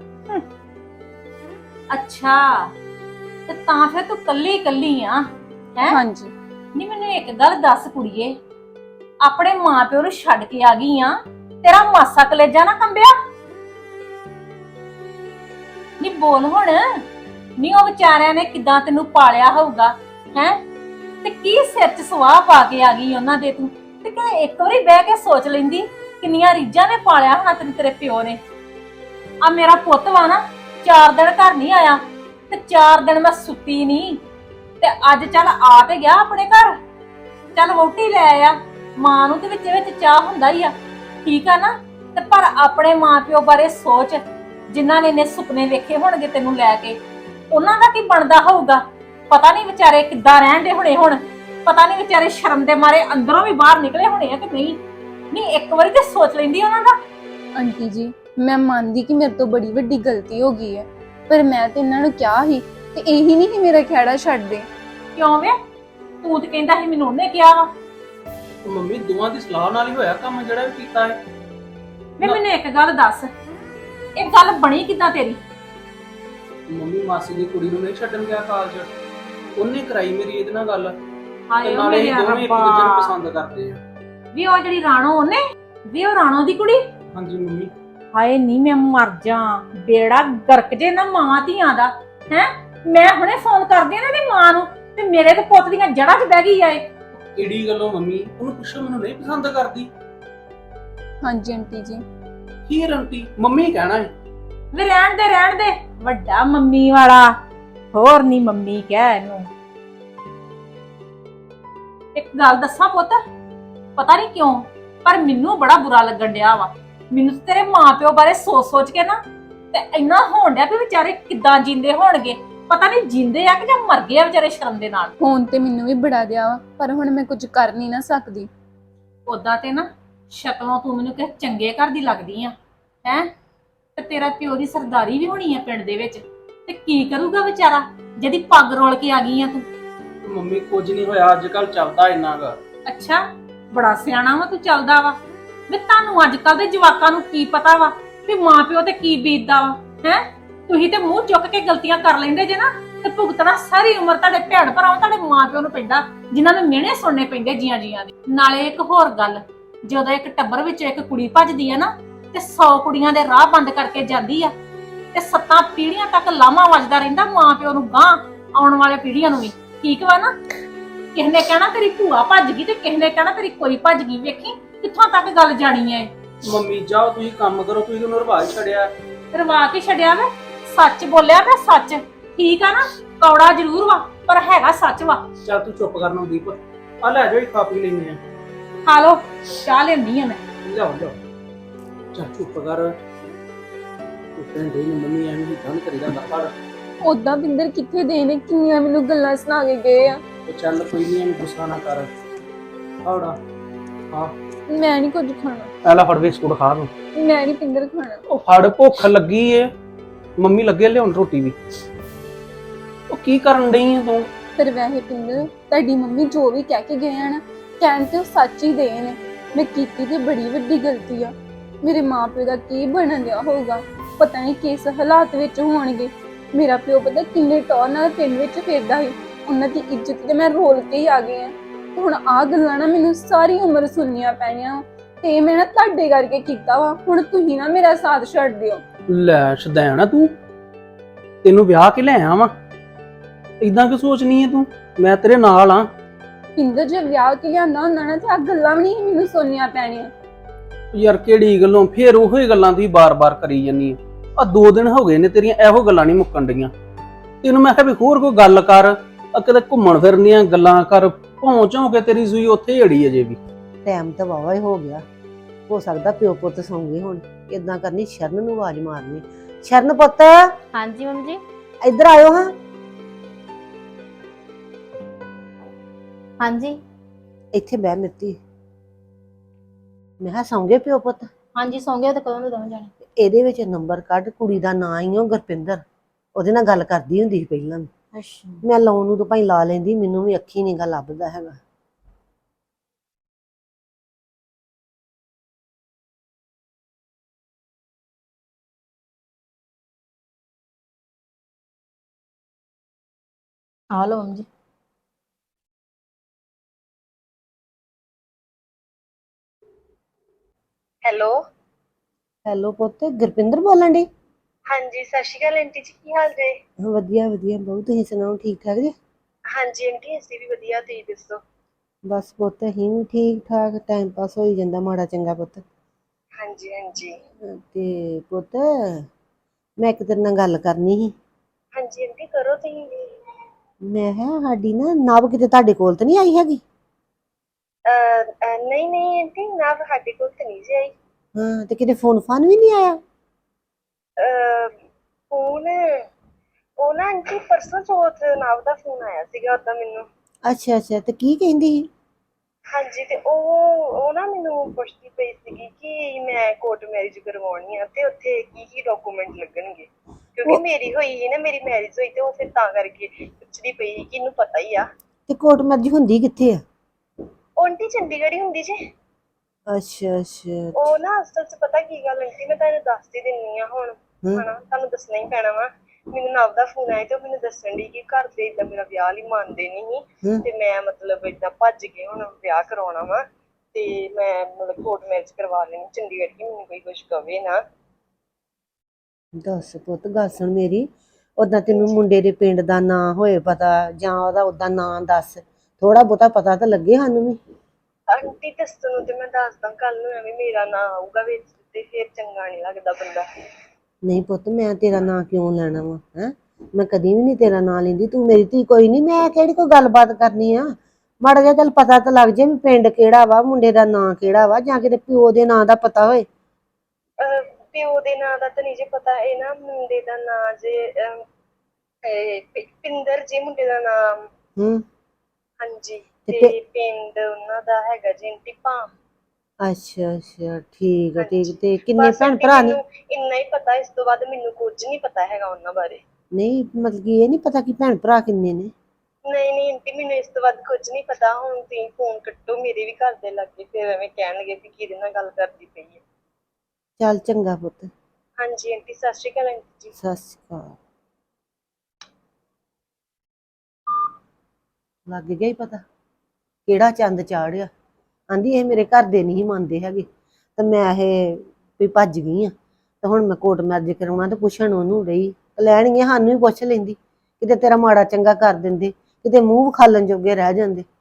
ਅੱਛਾ, ਤੇ ਤਾਂ ਫਿਰ ਤੂੰ ਕੱਲੀ ਆ ਹੈ?
ਹਾਂਜੀ।
ਨਹੀਂ ਮੈਨੂੰ ਇੱਕ ਗੱਲ ਦੱਸ ਕੁੜੀਏ, ਆਪਣੇ ਮਾਪਿਓ ਨੂੰ ਛੱਡ ਕੇ ਆ ਗਈ ਆ, ਤੇਰਾ ਮਾਸਾ ਕਲੇਜਾ ਨਾ ਕੰਬਿਆ? ਨਹੀਂ ਬੋਲ ਹੁਣ, ਨਹੀਂ ਉਹ ਵਿਚਾਰਿਆਂ ਨੇ ਕਿਦਾਂ ਤੈਨੂੰ ਪਾਲਿਆ ਹੋਊਗਾ ਹੈ, ਤੇ ਕੀ ਸਿਰ 'ਚ ਸਵਾਹ ਪਾ ਕੇ ਆ ਗਈ ਉਹਨਾਂ ਦੇ ਤੂੰ। ਤੇ ਕਿਤੇ ਇੱਕ ਵਾਰੀ ਬਹਿ ਕੇ ਸੋਚ ਲੈਂਦੀ ਕਿੰਨੀਆਂ ਰੀਝਾਂ ਨੇ ਪਾਲਿਆ ਹੋਣਾ ਤੈਨੂੰ ਤੇਰੇ ਪਿਓ ਨੇ। ਆ ਮੇਰਾ ਪੁੱਤ ਵਾ ਨਾ 4 ਦਿਨ ਘਰ ਨਹੀਂ ਆਇਆ ਤੇ 4 ਦਿਨ ਮੈਂ ਸੁੱਤੀ ਨਹੀਂ, ਤੇ ਅੱਜ ਚੱਲ ਆ ਤੇ ਗਿਆ ਆਪਣੇ ਘਰ, ਚੱਲ ਵਹੁਟੀ ਲੈ ਆਇਆ। ਮਾਂ ਨੂੰ ਤੇ ਵਿੱਚ ਵਿੱਚ ਚਾਹ ਹੁੰਦਾ ਹੀ ਆ, ਠੀਕ ਆ ਨਾ, ਤੇ ਪਰ ਆਪਣੇ ਮਾਪਿਓ ਬਾਰੇ ਸੋਚ, ਜਿਨ੍ਹਾਂ ਨੇ ਇੰਨੇ ਸੁਪਨੇ ਵੇਖੇ ਹੋਣਗੇ ਤੈਨੂੰ ਲੈ ਕੇ, ਉਹਨਾਂ ਦਾ ਕੀ ਬਣਦਾ ਹੋਊਗਾ। ਪਤਾ ਨਹੀਂ ਵਿਚਾਰੇ ਕਿੱਦਾਂ ਰਹਿਣ ਦੇ ਹੋਣੇ ਹੁਣ, ਪਤਾ ਨਹੀਂ ਵਿਚਾਰੇ ਸ਼ਰਮ ਦੇ ਮਾਰੇ ਅੰਦਰੋਂ ਵੀ ਬਾਹਰ ਨਿਕਲੇ ਹੋਣੇ ਆ ਕਿ ਨਹੀਂ। ਨਹੀਂ ਇੱਕ ਵਾਰੀ ਤੇ ਸੋਚ ਲੈਂਦੀ ਉਹਨਾਂ ਦਾ।
ਆਂਟੀ ਜੀ ਮੈਂ ਮੰਨਦੀ ਕਿ ਮੇਰੇ ਤੋਂ ਬੜੀ ਵੱਡੀ ਗਲਤੀ ਹੋ ਗਈ ਹੈ, ਪਰ ਮੈਂ ਤੇ ਇਹਨਾਂ ਨੂੰ ਕਿਹਾ ਸੀ ਤੇ ਇਹੀ ਨਹੀਂ ਕਿ ਮੇਰਾ ਖਹਿੜਾ ਛੱਡ ਦੇ।
ਕਿਉਂ ਵੇ, ਤੂੰ ਤੇ ਕਹਿੰਦਾ ਸੀ ਮੈਨੂੰ ਉਹਨੇ ਕਿਹਾ ਵਾ।
ਮੰਮੀ ਦੋਵਾਂ ਦੀ ਸਲਾਹ ਨਾਲ ਹੀ ਹੋਇਆ ਕੰਮ ਜਿਹੜਾ ਵੀ ਕੀਤਾ ਹੈ।
ਵੇ ਮੈਨੂੰ ਇੱਕ ਗੱਲ ਦੱਸ, ਇਹ ਗੱਲ ਬਣੀ ਕਿੱਦਾਂ ਤੇਰੀ?
ਮੰਮੀ ਮਾਸੀ ਦੀ ਕੁੜੀ ਨੂੰ ਨਹੀਂ ਛੱਡਣ ਗਿਆ ਕਾਲਜ, ਉਹਨੇ ਕਰਾਈ ਮੇਰੀ ਇਹਦੇ ਨਾਲ ਗੱਲ।
ਹਾਏ
ਤੇ
ਓ
ਨਾਲੇ
ਮੇਰੇ
ਅਸੀਂ ਦੋਵੇਂ ਇੱਕ ਦੂਜੇ ਨੂੰ
ਰੱਬਾ,
ਪਸੰਦ ਕਰਦੇ ਆ।
ਵੀ ਉਹ ਜਿਹੜੀ ਰਾਣੋ ਉਹਨੇ, ਵੀ ਉਹ ਰਾਣੋ ਦੀ ਕੁੜੀ।
ਹਾਂਜੀ ਮੰਮੀ।
ਹਾਏ ਨਹੀਂ ਮੈਂ ਮਰ ਜਾ, ਬੇੜਾ ਗਰਕ ਜੇ ਨਾ ਮਾਂ ਧੀਆਂ ਦਾ ਹੈ। ਮੈਂ ਹੁਣੇ ਫੋਨ ਕਰਦੀ ਆ ਨਾ ਦੀ ਮਾਂ ਨੂੰ, ਤੇ ਮੇਰੇ ਤੇ ਪੁੱਤ ਦੀਆਂ ਜੜ੍ਹਾਂ 'ਚ ਬਹਿ ਗਈ ਆ ਇਹ।
ਕਿਹੜੀ ਗੱਲੋਂ ਮੰਮੀ? ਉਹਨੂੰ ਪੁੱਛੋ, ਮੈਨੂੰ ਨਹੀਂ ਪਸੰਦ ਕਰਦੀ।
ਹਾਂਜੀ ਆਂਟੀ ਜੀ।
ਕੀ ਰੰਟੀ ਮੰਮੀ ਕਹਿਣਾ ਹੈ।
ਵੀ ਰਹਿਣ ਦੇ ਵੱਡਾ ਮੰਮੀ ਵਾਲਾ, ਹੋਰ ਨਹੀਂ ਮੰਮੀ ਕਹਿ ਇਹਨੂੰ। ਇੱਕ ਗੱਲ ਦੱਸਾਂ ਪੁੱਤ, ਪਤਾ ਨਹੀਂ ਕਿਉਂ ਪਰ ਮੈਨੂੰ ਬੜਾ ਬੁਰਾ ਲੱਗਣ ਡਿਆ ਵਾ। ਮੈਨੂੰ ਤੇ ਤੇਰੇ ਮਾਪਿਓ ਬਾਰੇ ਸੋਚ ਕੇ ਨਾ ਤੇ ਇੰਨਾ ਹੋਣ ਡਿਆ ਵੀ ਵਿਚਾਰੇ ਕਿੱਦਾਂ ਜਿੰਦੇ ਹੋਣਗੇ। ਪਤਾ ਨਹੀਂ ਜਿੰਦੇ ਆ ਕਿ ਜਾਂ ਮਰ ਗਏ ਆ ਵਿਚਾਰੇ ਸ਼ਰਮ ਦੇ ਨਾਲ।
ਫੋਨ ਤੇ ਮੈਨੂੰ ਵੀ ਬੜਾ ਦਿਆ ਵਾ, ਪਰ ਹੁਣ ਮੈਂ ਕੁਝ ਕਰ ਨਹੀਂ ਨਾ ਸਕਦੀ।
ਉਦਾਂ ਤੇ ਨਾ ਸ਼ਕਲੋਂ ਤੂੰ ਮੈਨੂੰ ਕਿਸੇ ਚੰਗੇ ਘਰ ਦੀ ਲੱਗਦੀ ਆ ਹੈ, ਤੇ ਤੇਰਾ ਪਿਓ ਦੀ ਸਰਦਾਰੀ ਵੀ ਹੋਣੀ ਆ ਪਿੰਡ ਦੇ ਵਿੱਚ, ਤੇ ਕੀ ਕਰੂਗਾ ਵਿਚਾਰਾ ਜਿਹਦੀ ਪੱਗ ਰੋਲ ਕੇ ਆ ਗਈ ਆ ਤੂੰ।
ਮੰਮੀ ਕੁਝ ਨਹੀਂ ਹੋਇਆ, ਅੱਜ ਕੱਲ ਚੱਲਦਾ ਇੰਨਾ ਗਾ।
ਅੱਛਾ ਬੜਾ ਸਿਆਣਾ ਵਾ ਤੂੰ, ਚੱਲਦਾ ਵਾ। ਵੀ ਤੁਹਾਨੂੰ ਅੱਜ ਕੱਲ ਦੇ ਜਵਾਕਾਂ ਨੂੰ ਕੀ ਪਤਾ ਵਾ ਵੀ ਮਾਂ ਪਿਓ ਤੇ ਕੀ ਬੀਤਦਾ ਵਾ ਹੈ। ਤੁਸੀਂ ਤੇ ਮੂੰਹ ਚੁੱਕ ਕੇ ਗਲਤੀਆਂ ਕਰ ਲੈਂਦੇ ਜੇ ਨਾ, ਤੇ ਭੁਗਤਣਾ ਸਾਰੀ ਉਮਰ ਤੁਹਾਡੇ ਭੈਣ ਭਰਾਵਾਂ ਤੁਹਾਡੇ ਮਾਂ ਪਿਓ ਨੂੰ ਪੈਂਦਾ, ਜਿਨ੍ਹਾਂ ਨੂੰ ਮਿਹਣੇ ਸੁਣਨੇ ਪੈਂਦੇ ਜੀਆਂ ਜੀਆਂ ਦੇ। ਨਾਲੇ ਇੱਕ ਹੋਰ ਗੱਲ, ਜਦੋਂ ਇੱਕ ਟੱਬਰ ਵਿੱਚ ਇੱਕ ਕੁੜੀ ਭੱਜਦੀ ਆ ਨਾ, ਤੇ 100 ਕੁੜੀਆਂ ਦੇ ਰਾਹ ਬੰਦ ਕਰਕੇ ਜਾਂਦੀ ਆ, ਤੇ 7 ਪੀੜ੍ਹੀਆਂ ਤੱਕ ਲਾਮਾ ਵੱਜਦਾ ਰਹਿੰਦਾ ਮਾਂ ਪਿਓ ਨੂੰ, ਗਾਂ ਆਉਣ ਵਾਲੇ ਪੀੜ੍ਹੀਆਂ ਨੂੰ ਵੀ। ਠੀਕ ਵਾ ਨਾ? ਕਿਸੇ ਨੇ ਕਹਿਣਾ ਤੇਰੀ ਭੂਆ ਭੱਜ ਗਈ, ਤੇ ਕਿਸੇ ਨੇ ਕਹਿਣਾ ਤੇਰੀ ਕੋਈ ਭੱਜ ਗਈ। ਵੇਖੀ ਕਿੱਥੋਂ ਤੱਕ ਗੱਲ ਜਾਣੀ ਹੈ।
ਮੰਮੀ ਜਾਓ ਤੁਸੀਂ ਕੰਮ ਕਰੋ, ਤੁਸੀਂ ਉਹਨੂੰ ਰਿਵਾਜ ਛੱਡਿਆ।
ਰਵਾ ਕੇ ਛੱਡਿਆ ਵੇ, ਸੱਚ ਬੋਲਿਆ ਵੇ, ਸੱਚ। ਠੀਕ ਆ ਨਾ? ਕੌੜਾ ਜ਼ਰੂਰ ਵਾ ਪਰ ਹੈਗਾ ਸੱਚ ਵਾ।
ਚੱਲ ਤੂੰ ਚੁੱਪ ਕਰਨਾ ਦੀਪ, ਆ ਲੈ ਜਾਓ ਖਾ ਪੀ ਲੈਂਦੇ ਆ।
ਖਾ ਲੋ, ਚਾਹ ਲੈਂਦੀ ਆ ਮੈਂ।
ਲਿਆਓ ਲਿਆਓ, ਚੱਲ ਚੁੱਪ ਕਰ। ਉੱਤੇ ਦੇ ਮੰਮੀ ਐਵੇਂ ਹੀ ਧੰਨ ਕਰੀਦਾ ਫੜ।
ਉਦਾਂ ਪਿੰਦਰ ਕਿੱਥੇ ਦੇ ਨੇ, ਕਿੰਨੀਆਂ ਮੈਨੂੰ ਗੱਲਾਂ ਸੁਣਾ ਕੇ ਗਏ ਆ।
ਤੇ ਚੱਲ ਕੋਈ ਨਹੀਂ, ਐਵੇਂ ਗੁੱਸਾ ਨਾ ਕਰ। ਆਉੜਾ ਹਾਂ,
ਮੈਂ ਨਹੀਂ ਕੁਝ ਖਾਣਾ,
ਪਹਿਲਾਂ ਫੜ ਬਿਸਕੁਟ ਖਾ ਲਓ।
ਮੈਂ ਨਹੀਂ ਪਿੰਦਰ ਖਾਣਾ।
ਉਹ ਫੜ, ਭੁੱਖ ਲੱਗੀ ਏ, ਮੰਮੀ ਲੱਗੇ ਲਿਆਉਣ ਰੋਟੀ ਵੀ। ਉਹ ਕੀ ਕਰਨ ਡਈ ਏ ਤੂੰ?
ਪਰ ਵੈਸੇ ਪਿੰਦਰ ਤੁਹਾਡੀ ਮੰਮੀ ਜੋ ਵੀ ਕਹਿ ਕੇ ਗਏ ਆ ਨਾ, ਕਹਿਣ ਤੇ ਉਹ ਸੱਚ ਹੀ ਦੇ ਨੇ। ਮੈਂ ਕੀਤੀ ਤੇ ਬੜੀ ਵੱਡੀ ਗਲਤੀ ਆ। ਮੇਰੇ ਮਾਪਿਓ ਦਾ ਕੀ ਬਣਨ ਦਿਆ ਹੋਊਗਾ, ਪਤਾ ਨਹੀਂ ਕਿਸ ਹਾਲਾਤ ਵਿੱਚ ਹੋਣਗੇ। ਮੇਰਾ ਪਿਓ ਪਤਾ ਕਿੰਨੇ ਟੌਰ ਨਾਲ ਪਿੰਡ ਵਿੱਚ ਫਿਰਦਾ ਸੀ, ਉਹਨਾਂ ਦੀ ਇੱਜ਼ਤ ਤੇ ਮੈਂ ਰੋਲ ਕੇ ਹੀ ਆ ਗਈ ਆ। ਤੇ ਹੁਣ ਆਹ ਗੱਲਾਂ ਨਾ ਮੈਨੂੰ ਸਾਰੀ ਉਮਰ ਸੁਣਨੀਆਂ ਪੈਣੀਆਂ, ਤੇ ਮੈਂ ਨਾ ਤੁਹਾਡੇ ਕਰਕੇ ਕੀਤਾ ਵਾ। ਹੁਣ ਤੁਸੀਂ ਨਾ ਮੇਰਾ ਸਾਥ ਛੱਡ ਦਿਓ।
ਲੈ ਸ਼ਦੈਣ ਤੂੰ, ਤੈਨੂੰ ਵਿਆਹ ਕੇ ਲੈ ਆਵਾਂ, ਇਦਾਂ ਕਿ ਸੋਚਣੀ ਏ ਤੂੰ? ਮੈਂ ਤੇਰੇ ਨਾਲ ਆ।
ਪਿੰਦਰ ਜੇ ਵਿਆਹ ਕੇ ਲਿਆਂਦਾ ਹੁੰਦਾ ਨਾ ਤੇ ਆਹ ਗੱਲਾਂ ਵੀ ਨਹੀਂ ਮੈਨੂੰ ਸੁਣਨੀਆਂ ਪੈਣੀਆਂ।
ਯਾਰ ਕਿਹੜੀ ਗੱਲੋਂ ਫੇਰ ਉਹੋ ਹੀ ਗੱਲਾਂ ਤੁਸੀਂ ਬਾਰ-ਬਾਰ ਕਰੀ ਜਾਂਦੀ ਆ। 2 ਦਿਨ ਹੋ ਗਏ ਨੇ ਤੇਰੀਆਂ ਇਹੋ ਗੱਲਾਂ ਨਹੀਂ ਮੁੱਕਣ ਡੀਆਂ। ਤੈਨੂੰ ਮੈਂ ਕਿਹਾ ਵੀ ਹੋਰ ਕੋਈ ਗੱਲ ਕਰ, ਆ ਕਿਤੇ ਘੁੰਮਣ ਫਿਰਨ ਦੀਆਂ ਗੱਲਾਂ ਕਰ। ਪਹੁੰਚੋਂ ਕੇ ਤੇਰੀ ਸੂਈ ਉੱਥੇ ਹੀ ਅੜੀ ਅਜੇ ਵੀ।
ਟਾਈਮ ਤਾਂ ਵਾਵਾ ਹੀ ਹੋ ਗਿਆ, ਹੋ ਸਕਦਾ ਪਿਓ ਪੁੱਤ ਸੌਂ ਗਏ ਹੁਣ। ਇਦਾਂ ਕਰਨੀ, ਸ਼ਰਨ ਨੂੰ ਆਵਾਜ਼ ਮਾਰਨੀ। ਸ਼ਰਨ ਪੁੱਤ
ਹਾਂਜੀ ਮੰਮੀ ਜੀ।
ਇੱਧਰ ਆਇਓ ਹਾਂ।
ਹਾਂਜੀ
ਇੱਥੇ ਬਹਿ ਮਿੱਤੀ। ਮੈਂ ਕਿਹਾ ਸੌਂ ਗਏ ਪਿਓ ਪੁੱਤ?
ਹਾਂਜੀ ਸੌਂ ਗਏ ਤੇ ਕਦੋਂ ਦੇ ਦੋਵੇਂ ਜਾਣੇ।
ਇਹਦੇ ਵਿੱਚ ਨੰਬਰ ਕੱਢ, ਕੁੜੀ ਦਾ ਨਾਂ ਹੀ ਉਹ ਗੁਰਪਿੰਦਰ, ਉਹਦੇ ਨਾਲ ਗੱਲ ਕਰਦੀ ਹੁੰਦੀ ਸੀ ਪਹਿਲਾਂ।
ਅੱਛਾ
ਮੈਂ ਲਾਉਣ ਨੂੰ ਤਾਂ ਭਾਈ ਲਾ ਲੈਂਦੀ, ਮੈਨੂੰ ਵੀ ਅੱਖੀ ਨੀ ਗਾ ਲੱਭਦਾ ਹੈਗਾ।
ਆ ਲਓ ਮੰਮੀ ਜੀ।
ਹੈਲੋ ਪੁੱਤ, ਗੁਰਪਿੰਦਰ ਬੋਲਣ ਡਈ?
ਹਾਂਜੀ ਸਤਿ ਸ਼੍ਰੀ ਅਕਾਲ ਆਂਟੀ ਜੀ, ਕੀ ਹਾਲ ਜੇ?
ਵਧੀਆ ਵਧੀਆ ਬਹੁਤ, ਤੁਸੀਂ ਸੁਣਾਓ ਠੀਕ ਠਾਕ ਜੀ?
ਹਾਂਜੀ ਆਂਟੀ ਅਸੀਂ ਵੀ ਵਧੀਆ, ਤੁਸੀਂ ਦੱਸੋ?
ਬਸ ਪੁੱਤ ਅਸੀਂ ਵੀ ਠੀਕ ਠਾਕ, ਟਾਈਮ ਪਾਸ ਹੋਈ ਜਾਂਦਾ ਮਾੜਾ ਚੰਗਾ ਪੁੱਤ।
ਹਾਂਜੀ ਹਾਂਜੀ।
ਤੇ ਪੁੱਤ ਮੈਂ ਇੱਕ ਤੇਰੇ ਨਾਲ ਗੱਲ ਕਰਨੀ ਸੀ।
ਹਾਂਜੀ ਆਂਟੀ ਕਰੋ ਤੁਸੀਂ।
ਮੈਂ ਕਿਹਾ ਸਾਡੀ ਨਾ ਨਵ ਕਿਤੇ ਤੁਹਾਡੇ ਕੋਲ ਤੇ ਨਹੀਂ ਆਈ ਹੈਗੀ?
ਨਹੀਂ ਨਹੀਂ ਆਂਟੀ ਨਾ ਸਾਡੇ ਕੋਲ ਤਾਂ ਨਹੀਂ ਜੀ ਆਈ।
ਹਾਂ, ਤੇ ਕਿਤੇ ਫੋਨ ਫਾਨ ਵੀ ਨਹੀਂ ਆਇਆ?
ਫੋਨ ਉਹ ਨਾ ਆਂਟੀ ਪਰਸੋਂ ਚੌਥ ਨਾਵ ਦਾ ਫੋਨ ਆਇਆ ਸੀਗਾ ਉਦਾਂ ਮੈਨੂੰ।
ਅੱਛਾ ਅੱਛਾ, ਤੇ ਕੀ ਕਹਿੰਦੀ ਸੀ?
ਹਾਂਜੀ ਤੇ ਉਹ ਨਾ ਮੈਨੂੰ ਪੁੱਛਦੀ ਪਈ ਸੀਗੀ ਕਿ ਮੈਂ ਕੋਰਟ ਮੈਰਿਜ ਕਰਵਾਉਣੀ ਆ ਤੇ ਉੱਥੇ ਕੀ ਕੀ ਡਾਕੂਮੈਂਟ ਲੱਗਣਗੇ, ਕਿਉਂਕਿ
ਉਹ
ਮੇਰੀ ਹੋਈ ਸੀ ਨਾ, ਮੇਰੀ ਮੈਰਿਜ ਹੋਈ ਤੇ ਉਹ ਫਿਰ ਤਾਂ ਕਰਕੇ ਪੁੱਛਦੀ ਪਈ ਸੀ ਕਿ ਇਹਨੂੰ ਪਤਾ ਹੀ ਆ।
ਤੇ ਕੋਰਟ ਮੈਰਿਜ ਹੁੰਦੀ ਕਿੱਥੇ ਆ?
ਉਹ ਆਂਟੀ ਚੰਡੀਗੜ੍ਹ ਹੀ ਹੁੰਦੀ ਜੇ।
ਅੱਛਾ ਅੱਛਾ।
ਉਹ ਨਾ ਅਸਲ 'ਚ ਪਤਾ ਕੀ ਗੱਲ ਆਂਟੀ, ਮੈਂ ਤੁਹਾਨੂੰ ਦੱਸ ਹੀ ਦਿੰਨੀ ਆ ਹੁਣ,
ਹਮ
ਹਨਾ ਤੁਹਾਨੂੰ ਦੱਸਣਾ ਹੀ ਪੈਣਾ ਵਾ। ਮੈਨੂੰ ਨਵ ਦਾ ਫੋਨ ਆਇਆ ਤੇ ਉਹ ਮੈਨੂੰ ਦੱਸਣ ਡਈ ਕਿ ਘਰ ਦੇ ਏਦਾਂ ਮੇਰਾ ਵਿਆਹ ਲਈ ਮੰਨਦੇ ਨਹੀਂ
ਹਮ
ਤੇ ਮੈਂ ਮਤਲਬ ਏਦਾਂ ਭੱਜ ਕੇ ਹੁਣ ਵਿਆਹ ਕਰਾਉਣਾ ਵਾ ਤੇ ਮੈਂ ਮਤਲਬ ਕੋਰਟ ਮੈਰਿਜ ਕਰਵਾ ਲੈਣੀ ਚੰਡੀਗੜ੍ਹ, ਕਿ ਮੈਨੂੰ ਕੋਈ ਕੁਛ ਕਵੇ ਨਾ।
ਦੱਸ ਪੁੱਤ ਗੱਲ ਸੁਣ ਮੇਰੀ, ਓਦਾਂ ਤੈਨੂੰ
ਹਾਂਜੀ
ਮੁੰਡੇ ਦੇ ਪਿੰਡ ਦਾ ਨਾਂ ਹੋਏ ਪਤਾ, ਜਾਂ ਉਹਦਾ ਓਦਾਂ ਨਾਂ ਦੱਸ, ਥੋੜਾ ਬਹੁਤਾ ਪਤਾ ਤਾਂ ਲੱਗੇ ਸਾਨੂੰ ਵੀ।
ਆਂਟੀ ਦੱਸਣ ਨੂੰ ਤੇ ਮੈਂ ਦੱਸਦਾ, ਕੱਲ ਨੂੰ ਐਵੇਂ ਮੇਰਾ ਨਾਂ ਆਊਗਾ ਵਿੱਚ ਤੇ ਫਿਰ ਚੰਗਾ ਨੀ ਲੱਗਦਾ ਬੰਦਾ।
ਨਹੀਂ ਪੁੱਤ ਮੈਂ ਤੇਰਾ ਨਾਂ ਕਿਉਂ ਲੈਣਾ ਵਾ, ਹੈ ਮੈਂ ਕਦੀ ਵੀ ਨਹੀਂ ਤੇਰਾ ਨਾਂ ਲੈਂਦੀ, ਤੂੰ ਮੇਰੀ ਧੀ ਕੋਈ ਨਹੀਂ, ਮੈਂ ਕਿਹੜੀ ਕੋਈ ਗੱਲਬਾਤ ਕਰਨੀ ਆ। ਮਾੜਾ ਜਿਹਾ ਚੱਲ ਪਤਾ ਤਾਂ ਲੱਗ ਜੇ ਵੀ ਪਿੰਡ ਕਿਹੜਾ ਵਾ, ਮੁੰਡੇ ਦਾ ਨਾਂ ਕਿਹੜਾ ਵਾ, ਜਾਂ ਕਿਤੇ ਪਿਓ ਦੇ ਨਾਂ ਦਾ ਪਤਾ ਹੋਏ।
ਪਿਓ ਦੇ ਨਾਂ ਦਾ ਤਾਂ ਨਹੀਂ ਜੇ ਪਤਾ, ਇਹ ਨਾ ਮੁੰਡੇ ਦਾ ਨਾਂ ਜੇ ਪਿੰਦਰ ਜੀ ਮੁੰਡੇ ਦਾ ਨਾਮ।
ਹੂੰ।
ਹਾਂਜੀ
ਤੇ
ਤੇ ਪਿੰਡ ਉਹਨਾਂ ਦਾ ਹੈਗਾ ਜੀ ਆਂਟੀ ਭਾਮ।
ਅੱਛਾ ਅੱਛਾ, ਠੀਕ ਆ ਠੀਕ,
ਹਾਂਜੀ
ਤੇ ਕਿੰਨੇ
ਬਸ
ਭੈਣ
ਆਂਟੀ
ਭਰਾ ਨੇ?
ਮੈਨੂੰ ਇੰਨਾ ਹੀ ਪਤਾ, ਇਸ ਤੋਂ ਬਾਅਦ ਮੈਨੂੰ ਕੁਝ ਨਹੀਂ ਪਤਾ ਹੈਗਾ ਉਹਨਾਂ ਬਾਰੇ।
ਨਹੀਂ ਮਤਲਬ ਕਿ ਇਹ ਨਹੀਂ ਪਤਾ ਕਿ ਭੈਣ ਭਰਾ ਕਿੰਨੇ ਨੇ?
ਨਹੀਂ ਨਹੀਂ ਆਂਟੀ ਮੈਨੂੰ ਇਸ ਤੋਂ ਬਾਅਦ ਕੁਝ ਨਹੀਂ ਪਤਾ, ਹੁਣ ਤੁਸੀਂ ਫੋਨ ਕੱਟੋ, ਮੇਰੇ ਵੀ ਘਰ ਦੇ ਲੱਗੇ ਫਿਰ ਐਵੇਂ ਕਹਿਣਗੇ ਵੀ ਕਿਹਦੇ ਨਾਲ ਗੱਲ ਕਰਦੀ ਪਈ ਹੈ।
ਚੱਲ ਚੰਗਾ ਪੁੱਤ।
ਹਾਂਜੀ ਆਂਟੀ ਸਤਿ ਸ਼੍ਰੀ ਅਕਾਲ ਆਂਟੀ ਜੀ।
ਸਤਿ ਸ਼੍ਰੀ ਅਕਾਲ। ਲੱਗ ਗਿਆ ਹੀ ਪਤਾ ਕਿਹੜਾ ਚੰਦ ਚਾੜਿਆ। ਆਂਦੀ ਇਹ ਮੇਰੇ ਘਰ ਦੇ ਨਹੀਂ ਮੰਨਦੇ ਹੈਗੇ, ਤੇ ਮੈਂ ਇਹ ਵੀ ਭੱਜ ਗਈ ਆ, ਤੇ ਹੁਣ ਮੈਂ ਕੋਰਟ ਮੈਰਿਜ ਕਰਾਉਣਾ, ਤੇ ਪੁੱਛਣ ਉਹਨੂੰ ਰਹੀ, ਲੈਣਗੇ ਸਾਨੂੰ ਵੀ ਪੁੱਛ ਲੈਂਦੀ, ਕਿਤੇ ਤੇਰਾ ਮਾੜਾ ਚੰਗਾ ਕਰ ਦਿੰਦੇ, ਕਿਤੇ ਮੂੰਹ ਵਿਖਾਲਣ ਜੋਗੇ ਰਹਿ ਜਾਂਦੇ।